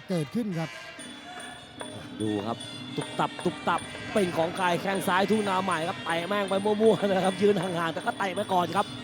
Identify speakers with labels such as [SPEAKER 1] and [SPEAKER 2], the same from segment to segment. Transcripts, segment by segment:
[SPEAKER 1] เกิดขึ้นครับ
[SPEAKER 2] ดูครับตุบตับตุบตับเป็นของใครแข้งซ้ายทุ่งนาใหม่ครับเตะแม่งไปมั่วๆนะครับยืนห่างๆแต่ก็เตะไปก่อนครับ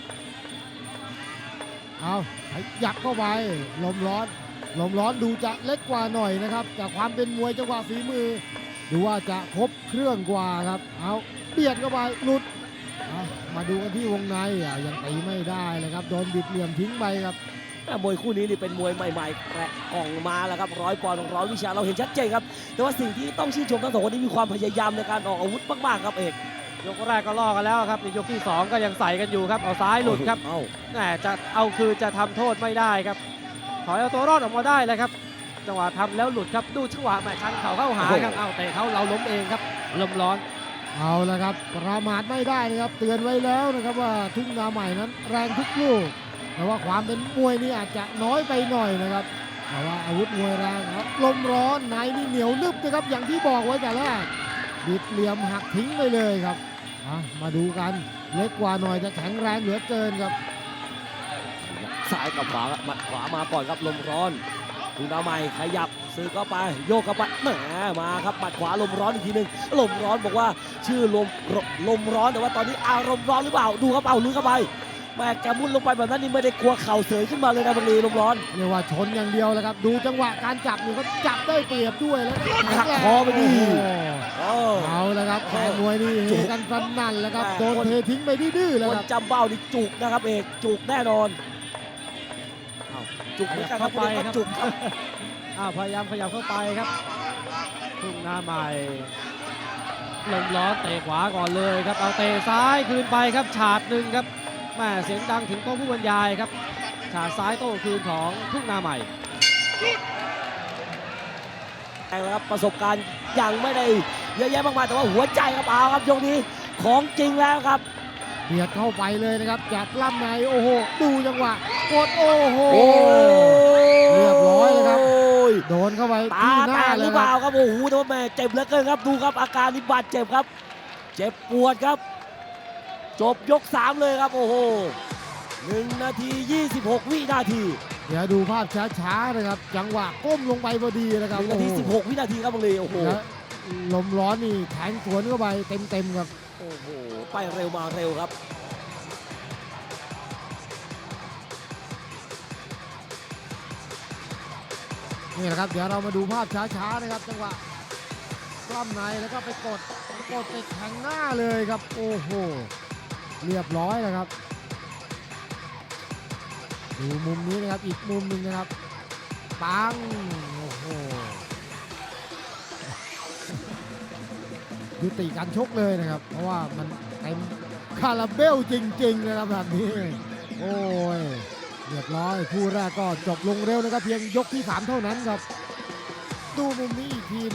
[SPEAKER 1] เอายักเข้าไปลมร้อนดูจะเล็กกว่าหน่อยนะครับจากความเป็นมวยจังหวะฝีมือดูว่าจะครบเครื่องกว่าครับเอาเบียดเข้าไปหลุดมาดูกันที่วงในยังตีไม่ได้เลยครับโดนบิดเหลี่ยมทิ้งไปครับ
[SPEAKER 2] มวยคู่นี้นี่เป็นมวยใหม่ๆแกะกล่องมาแล้วครับ100 ปอนด์100 วิชาเราเห็นชัดเจนครับแต่ว่าสิ่งที่ต้องชื่นชมทั้งสองคนนี้มีความพยายามในการออกอาวุธมากๆครับเอก
[SPEAKER 3] ยกแรกก็ล่อกันแล้วครับในยกที่2ก็ยังใส่กันอยู่ครับเอาซ้ายหลุดครับแหมจะเอาคืนจะทำโทษไม่ได้ครับถอยเอาตัวรอดออกมาได้เลยครับจังหวะทำแล้วหลุดครับดูจังหวะแหมชันเข่าเข้าหาครับเอาเตะเขาเราล้มเองครับลมร้อน
[SPEAKER 1] เอาละครับประมาทไม่ได้นะครับเตือนไว้แล้วนะครับว่าทุ่งนาใหม่นั้นแรงทุกลูกแต่ว่าความเป็นมวยนี่อาจจะน้อยไปหน่อยนะครับแต่ว่าอาวุธมวยแรงครับลมร้อนในนี่เหนียวนึบนะครับอย่างที่บอกไว้แต่แรกบิดเหลี่ยมหักทิ้งไปเลยครับมาดูกันเล็กกว่าหน่อยจะแข็งแรงเหลือเกินครับ
[SPEAKER 2] ซ้ายกับขวาหมัดขวามาก่อนครับลมร้อนทุ่งนาใหม่ขยับซื้อเข้าไปโยกเข้าไปแหมมาครับหมัดขวาลมร้อนอีกทีหนึ่งลมร้อนบอกว่าชื่อลมร้อนแต่ว่าตอนนี้อารมณ์ร้อนหรือเปล่าดูครับเอาลุยเข้าไปแม่แกมุดลงไปแบบนั้นนี่ไม่ได้กลัวเข่าเสยขึ้นมาเลยนะบังลีลมร้อน
[SPEAKER 1] เรียกว่าชนอย่างเดียวเลยครับดูจังหวะการจับนี่เขาจับได้เปรียบด้วยแล้ว
[SPEAKER 2] หักคอไปดิ
[SPEAKER 1] เอาแล้วครับแฟนมวยนี่เฮกันฟันนั่นแล้วครับโดนเททิ้งไปดื้อๆแล้วครับ
[SPEAKER 2] จำเบ้านี่จุกนะครับเอกจุกแน่นอนจุกไม่กล้าเข้าไปครับจุกครับ
[SPEAKER 3] พยายามขยับเข้าไปครับทุ่งนาใหม่ลมร้อนเตะขวาก่อนเลยครับเอาเตะซ้ายคืนไปครับฉาดหนึ่งครับแม่เสียงดังถึงโต๊ะผู้บรรยายครับฉาดซ้ายโต้คืนของทุ่งนาใหม่
[SPEAKER 2] ครับประสบการณ์ยังไม่ได้เยอะแยะมากมายแต่ว่าหัวใจครับเอาครับยกนี้ของจริงแล้วครับ
[SPEAKER 1] เบียดเข้าไปเลยนะครับจากล่ำในโอ้โหดูจังหวะกดโอ้โหเรียบร้อยเลยครับโดนเข้าไปที่หน้าเลย
[SPEAKER 2] หรือเปล่าครับโอ้โหแต่ว่าแม่เจ็บเหลือเกินครับดูครับอาการนิบาดเจ็บครับเจ็บปวดครับจบยก3เลยครับโอ้โห1 นาที 26 วินาที
[SPEAKER 1] เดี๋ยวดูภาพช้าๆนะครับจังหวะก้มลงไปพอดีนะครับ
[SPEAKER 2] 1 นาที 16 วินาทีครับบังลีโอ้โห
[SPEAKER 1] ลมร้อนนี่แทงสวนเข้าไปเต็มครับ
[SPEAKER 2] โอ้โหไปเร็วมาเร็วครับ
[SPEAKER 1] นี่แหละครับเดี๋ยวเรามาดูภาพช้าๆนะครับจังหวะกล้ามในแล้วก็ไปกดไปแทงหน้าเลยครับโอ้โหเรียบร้อยแล้วครับดูมุมนี้นะครับอีกมุมหนึ่งนะครับปังโอ้โหยุติการชกเลยนะครับเพราะว่ามันเต็มคาราเบลจริงๆนะครับแบบนี้โอ้ยเรียบร้อยคู่แรกก็จบลงเร็วนะครับเพียงยกที่3เท่านั้นครับดูมุมนี้อีกที